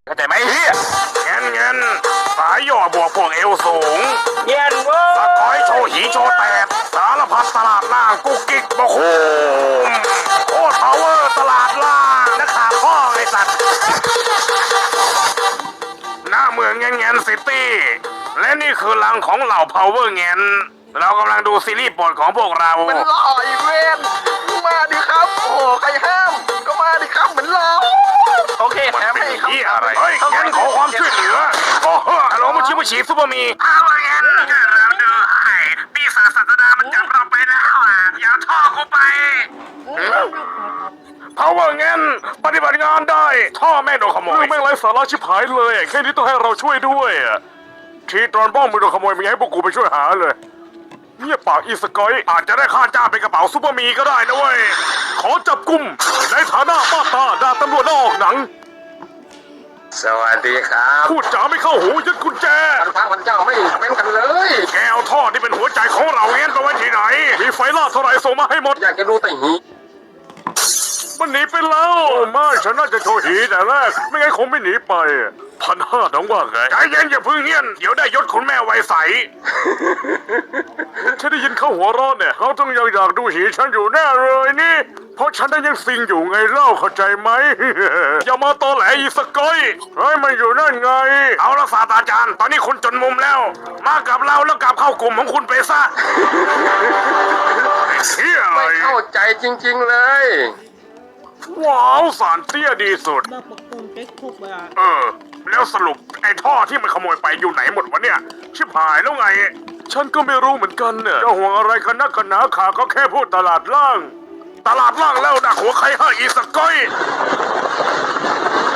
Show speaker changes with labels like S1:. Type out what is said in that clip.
S1: เข้าใจไหมเฮียเงินสายย่อบวกพวกเอวสูง
S2: เย็นเว้
S1: สกอยโชว์หีโชว์แตกสารพัดตลาดล่างกุ๊กกิ๊กบะคูมโคตรพาวเวอร์ตลาดล่างนักข่าวพ่อไอ้สัตว์หน้าเมืองเงินซิตี้และนี่คือหลังของเหล่าพาวเวอร์เงินเรากำลังดูซีรีส์โปรดของพวกเรา
S2: มันหล่ออีเวนมาดิครับโอ้ใครห้ามก็มาดิครับเหมือนเราโอเคแถมให้ครับ
S1: อะไรเฮ้ยงั้นขอความช่วยเหลือโอ้โหฮัลโหลมุชิมุชิซูเปอร์มีเอางั้นก็เราดูให้ปีศาจศาสดามันจับเราไปแล้วอย่าท่อกูไปเพราะว่างั้นปฏิบัติงานได้ท่อแม่งโดนขโมยแม่งไร้สาระชิบหายเลยแค่นี้ต้องให้เราช่วยด้วยทีตอนบ้องมึงโดนขโมยมึงให้พวกกูไปช่วยหาเลยเงียบปากอีสกอยอาจจะได้ค่าจ้างเป็นกระเป๋าซูเปอร์มีก็ได้นะเว้ยขอจับกุมในฐานะป้าตาดาตำรวจนอกหนัง
S2: สวัสดีครับ
S1: พูดจาไม่เข้าหูยึดกุญแจ
S2: พระพันเจ้าไม่เป็นกันเลย
S1: แกเอาท่อที่เป็นหัวใจของเราเงี้ยไปไว้ที่ไหนมีไฟล่าเท่าไหร่ส่งมาให้หมด
S2: อยากจะดูแต่หี
S1: มันหนีไปแล้วไม่ฉันน่าจะโชว์หีแต่แรกไม่งั้นคงไม่หนีไป1,500น้องว่าไงใจเย็นอย่าพึ่งเงี้ยเดี๋ยวได้ยศคุณแม่ไวใสฉันได้ยินเขาหัวเราะเนี่ยเขาต้องยังอยากดูหีฉันอยู่แน่เลยนี่เพราะฉันได้ยังซิงอยู่ไงเล่าเข้าใจไหมอย่ามาตอแหลอีสกอยเฮ้ยมันอยู่นั่นไงเอาละศาสตราจารย์ตอนนี้คุณจนมุมแล้วมากับเราแล้วกลับเข้ากลุ่มของคุณไปซะ
S2: ไม่เข้าใจจริงๆเลย
S1: ว้าวสารเตี้ยดีสุด
S3: บ้าปกป้องเก๊กทุกเวลา
S1: แล้วสรุปไอ้ท่อที่มันขโมยไปอยู่ไหนหมดวะเนี่ยชิบหายแล้วไงฉันก็ไม่รู้เหมือนกันเนี่ยจะห่วงอะไรกันนักกันหนาขาก็แค่พูดตลาดล่างแล้วดักหัวใครให้อีสกอย